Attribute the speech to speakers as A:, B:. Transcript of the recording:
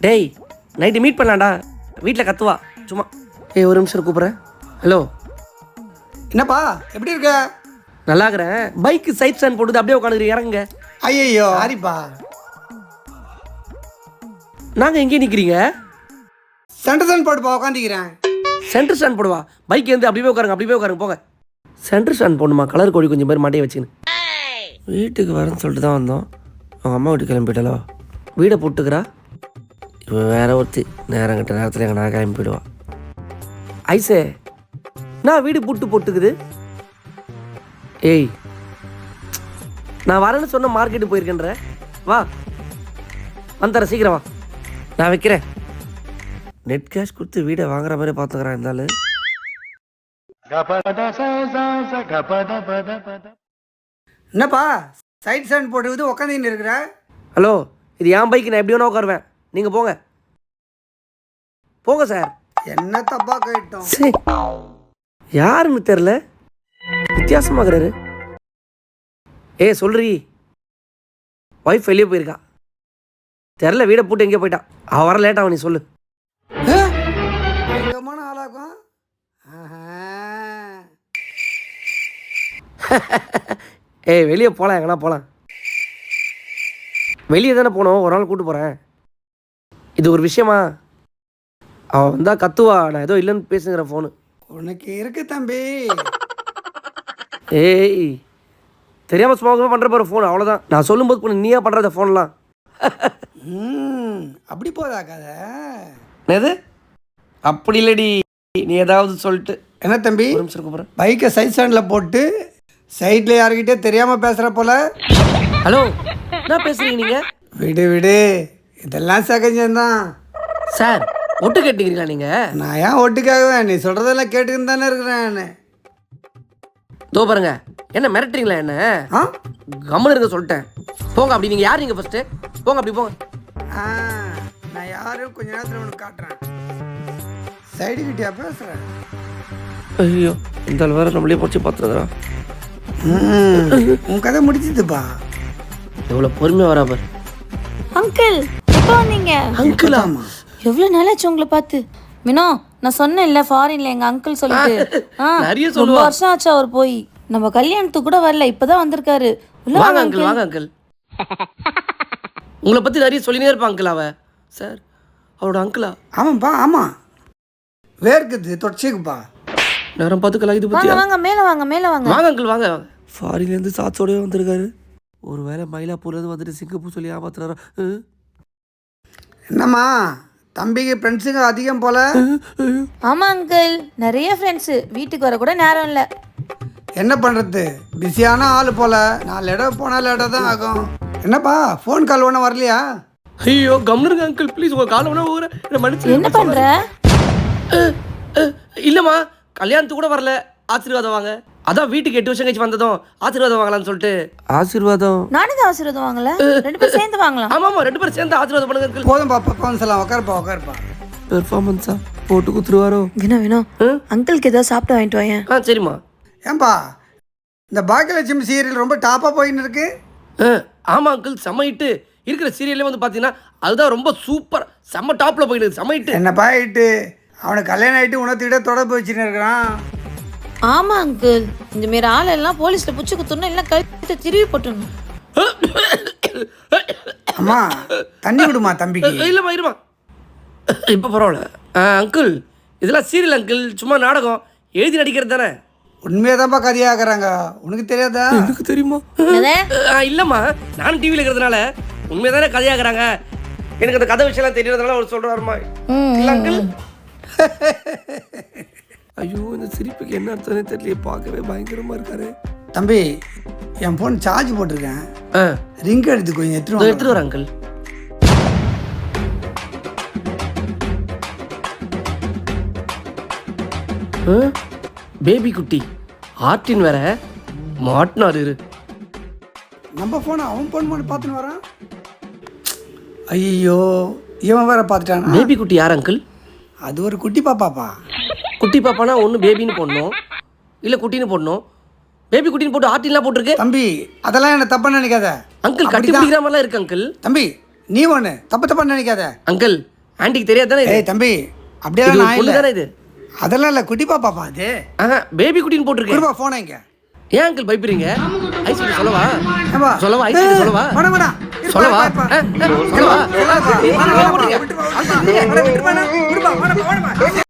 A: டேய் night meet பண்ணலாம்டா. வீட்டில் கத்துவா சும்மா. ஏய் ஒரு நிமிஷம் கூப்பிட்றேன். ஹலோ
B: என்னப்பா எப்படி இருக்க?
A: நல்லா இருக்கிறேன். பைக்கு சைட் ஸ்டாண்ட் போட்டு அப்படியே உட்காந்துக்கிறீங்க, இறங்குங்க.
B: ஐயோ சாரிப்பா.
A: நாங்கள் எங்கேயும் நிற்கிறீங்க?
B: சென்டர் ஸ்டாண்ட் போட்டுப்பா உட்காந்துக்கிறேன்.
A: சென்டர் ஸ்டாண்ட் போடுவா. பைக் வந்து அப்படியே உட்காருங்க, அப்படியே உட்காருங்க போங்க. சென்டர் ஸ்டாண்ட் போடணுமா? கலர் கோழி கொஞ்சம் பேர் மாட்டியே வச்சுக்கணும். வீட்டுக்கு வரேன்னு சொல்லிட்டு தான் வந்தோம். அவங்க அம்மா வீட்டுக்கு கிளம்பிட்டாலோ. வீடை போட்டுக்கிறா. இப்போ வேற ஒருத்தி நேரம் கட்ட நேரத்தில் எங்கள் நான் கிளம்பி போயிடுவா. ஐசே நான் வீடு போட்டுக்குது. ஏய் நான் வரேன்னு சொன்ன மார்க்கெட்டு போயிருக்கேன்ற. வா வந்துடுறேன், சீக்கிரம் வா. நான் வைக்கிறேன். நெட் கேஷ் கொடுத்து வீடை வாங்குற மாதிரி பார்த்துக்கிறேன் இருந்தாலும்.
B: என்னப்பா சைட் ஸ்டாண்ட் போட்டுக்கிட்டு உட்காந்துன்னு இருக்கிற?
A: ஹலோ இது என் பைக்கு, நான் எப்படி வேணா உட்காருவேன். நீங்கள் போங்க போங்க சார்.
B: என்ன தப்பா கேட்டோம்?
A: சரி யாருன்னு தெரில, வித்தியாசமாகறாரு. ஏய் சொல்றீ ஒய்ஃப் வெளியே போயிருக்கா. தெரில வீடை போட்டு எங்கேயோ போயிட்டா. அவள் வர லேட்டாக நீ சொல்லு.
B: பயங்கரமான ஆளாகும்.
A: ஏய் வெளியே போகலாம், எங்கன்னா போகலாம். வெளியே தானே போனோம், ஒரு நாள் கூப்பிட்டு போகிறேன். இது ஒரு விஷயமா? அவள் வந்தால் கத்துவா. நான் ஏதோ இல்லைன்னு பேசுங்கிற ஃபோனு.
B: உனக்கு இருக்கு தம்பி.
A: ஏய் தெரியாமல் சும்மா பண்ணுற போகிற ஃபோன், அவ்வளோதான். நான் சொல்லும்போது பொண்ணு நீயா பண்ணுறத ஃபோன்லாம்.
B: அப்படி போதா கதை?
A: எது அப்படி இல்லடி, நீ ஏதாவது சொல்லிட்டு.
B: என்ன தம்பி
A: ஒரு நிமிஷம் கூப்பிட்றேன்.
B: பைக்கை சைட் ஸ்டாண்டில் போட்டு சைடில் யாருக்கிட்டே தெரியாமல் பேசுகிற போல.
A: ஹலோ என்ன பேசுகிறீங்க நீங்கள்?
B: விடு விடு, இதெல்லாம் சகஜம்தான்.
A: சார் ஒட்டு கேட்டுக்கிறீங்களா நீங்கள்?
B: நான் ஏன் ஒட்டுக்காகவேன்? நீ சொல்கிறதெல்லாம் கேட்டுக்கின்னு தானே இருக்கிறேன்.
A: தோ பாருங்க, என்ன மிரட்டுறீங்களா? என்ன கம்முன்னு இருக்க சொல்லிட்டேன். போங்க அப்படி. நீங்கள் யார்? நீங்கள் ஃபஸ்ட்டு போங்க, அப்படி போங்க.
B: நான் யாரும் கொஞ்ச நேரத்தில் உனக்கு காட்டுறேன். சைடு கிட்டியா பேசுகிறேன்?
A: ஐயோ இந்த வேறு நம்மளே போச்சு பார்த்துருக்குறா.
B: உன் கதை முடிச்சுதுப்பா.
A: எவ்வளோ பொறுமையாக வரா பாரு.
C: அங்கிள் எப்போ வந்தீங்க?
A: அங்கிளாமா?
C: எவ்வளோ நாளாச்சு உங்களை பார்த்து. மினோ நான் சொன்னேன்ல ஃபாரின்ல எங்க அங்கிள் சொல்லிட்டு.
A: நிறைய
C: ரொம்ப
A: சொல்லுவா.
C: வருஷம் ஆச்சு அவர் போய். நம்ம கல்யாணத்துக்கு கூட வரல, இப்பதான் வந்திருக்காரு. உள்ள
A: வாங்க
C: வாங்க
A: அங்கிள், வாங்க அங்கிள். உங்களை பற்றி நிறைய சொல்லினே இருப்பான் அங்கிள். அவ சார் அவரோட அங்கிளா?
B: ஆமாப்பா ஆமாம். வேர்க்குது தொடச்சிக்குப்பா.
A: நேரம் பார்த்துக்கலாம். இது பற்றி
C: வாங்க வாங்க மேல வாங்க மேல வாங்க.
A: வாங்க அங்கிள் வாங்க. ஃபாரின்லேருந்து சாட்சோடய வந்திருக்காரு. ஒரு வேளை மயிலாப்பூர்லேருந்து வந்துட்டு சிங்கப்பூர் சொல்லி ஏமாத்துறாரா?
B: என்னம்மா தம்பிக்கு ஃப்ரெண்ட்ஸுங்க அதிகம் போல?
C: ஆமா அங்கிள், நிறைய ஃப்ரெண்ட்ஸ். வீட்டுக்கு வர கூட நேரம் இல்லை.
B: என்ன பண்ணுறது, பிஸியான ஆள் போல. 4 இடம் போனால் இடம் தான் ஆகும். என்னப்பா ஃபோன் கால் ஒன்றும் வரலையா?
A: ஐயோ கம்னருங்க அங்கிள் ப்ளீஸ். உங்கள் காலை ஒன்றா ஊற என்ன மன்னிச்சு.
C: என்ன பண்ற?
A: இல்லைம்மா கல்யாணத்துக்கு கூட வரல. ஆசீர்வாதம் வாங்க. அதான் வீட்டுக்கு 8 வருஷம் கழிச்சு வந்ததும் ஆசீர்வாதம் வாங்கலாம்னு சொல்லிட்டு. ஆசீர்வாதம்?
C: நானும் தான் ஆசீர்வாதம் வாங்கல. 2 பேரும் சேர்ந்து வாங்கலாம்.
A: ஆமாம்மா 2 பேரும் சேர்ந்து ஆசீர்வாதம் பண்ணுங்க அங்கிள்.
B: போதும்பா பக்கம் சொல்லலாம். உட்காருப்பா.
A: பெர்ஃபார்மன்ஸா போட்டு குத்துருவாரோ?
C: வேணும் அங்கிளுக்கு ஏதாவது சாப்பிட்டு வாங்கிட்டு வாங்க.
A: சரிம்மா.
B: ஏன்பா இந்த பாக்கியலட்சுமி சீரியல் ரொம்ப டாப்பாக போயின்னு இருக்கு.
A: ஆமாம் அங்கிள், செம்ம ஹிட்டு. இருக்கிற சீரியல்லே வந்து பார்த்தீங்கன்னா அதுதான் ரொம்ப சூப்பர், செம்ம டாப்பில் போயிடுது. செம்ம ஹிட்டு.
B: என்னப்பா ஆயிட்டு? அவனுக்கு கல்யாணம் ஆகிட்டு உணர்த்திக்கிட்ட தொடர்பு வச்சுன்னு இருக்கிறான்.
C: ஆமா அங்கிள், இந்த மாரி ஆளெல்லாம் போலீஸ்ல புடிச்சு குத்துறணும், எல்லாம் கழுத்தை திருவி போட்டுடணும்.
B: அம்மா தண்ணி விடுமா தம்பிக்கு.
A: இல்லைம்மா இருமா, இப்போ பரவாயில்ல. அங்கிள் இதெல்லாம் சீரியல் அங்கிள், சும்மா நாடகம் எழுதி நடிக்கிறது தானே.
B: உண்மையாக தான்ப்பா கதையாக்குறாங்க. உனக்கு தெரியாதா?
A: எனக்கு தெரியுமா? இல்லைம்மா நானும் டிவியில் இருக்கிறதுனால உண்மையாக தானே கதையாக்குறாங்க. எனக்கு அந்த கதை விஷயம்லாம் தெரியறதுனால அவர் சொல்கிறாருமா. இல்லை அங்கிள். ஐயோ இந்த சிரிப்புக்கு என்ன அர்த்தம்னே தெரியல. பார்க்கவே பயங்கரமாக இருக்காரு.
B: தம்பி என் ஃபோன் சார்ஜ் போட்டிருக்கேன். ரிங் எடுத்து கொஞ்சம் எடுத்துட்டு
A: வரேன் அங்கிள். பேபி குட்டி ஆர்டின் வேற மாட்டினாரு.
B: நம்ம ஃபோனை அவன் ஃபோன் பண்ணி பார்த்துன்னு வரான். ஐயோ இவன் வேற பார்த்துட்டானா?
A: பேபி குட்டி யார் அங்கிள்?
B: அது ஒரு குட்டி பாப்பாப்பா.
A: குட்டி பாப்பானா ஒன்று பேபின்னு போடணும், இல்லை குட்டின்னு போடணும். பேபி குட்டின்னு போட்டு ஆர்டின்லாம் போட்டிருக்கு.
B: தம்பி அதெல்லாம் என்ன தப்பாக நினைக்காத
A: அங்கிள். கட்டி பிடிக்கிற மாதிரிலாம் இருக்கு அங்கிள்.
B: தம்பி நீ ஒன்று தப்பு நினைக்காத
A: அங்கிள். ஆண்டிக்கு தெரியாது தானே இது
B: ஏய் தம்பி அப்படியே
A: இது ஒரு
B: நான்
A: பொண்ணு
B: இல்லை
A: தானே இது
B: அதெல்லாம் இல்லை குட்டி பாப்பாப்பா அது
A: ஆஹா பேபி குட்டின்னு போட்டிருக்கேன்
B: குடுப்பா ஃபோனை இங்க
A: ஏன் அங்கிள் பயப்படுறீங்க ஐஸ்வர்யா சொல்லவா
B: ஏம்பா.
A: சொல்லவா ஐஸ்வர்யா சொல்லவா
B: வேணாம், வேணாம். இருப்பா,
A: சொல்லவா
B: இருப்பா,
A: ஆ,
B: இருப்பா.
A: சொல்லவா
B: சொல்லப்பா.
A: நீங்க ஏன் போட்டீங்க?
B: விட்டுப்பா, விட்டுப்பா. விட்டுப்பா, விட்டுப்பா, விட்டுப்பா.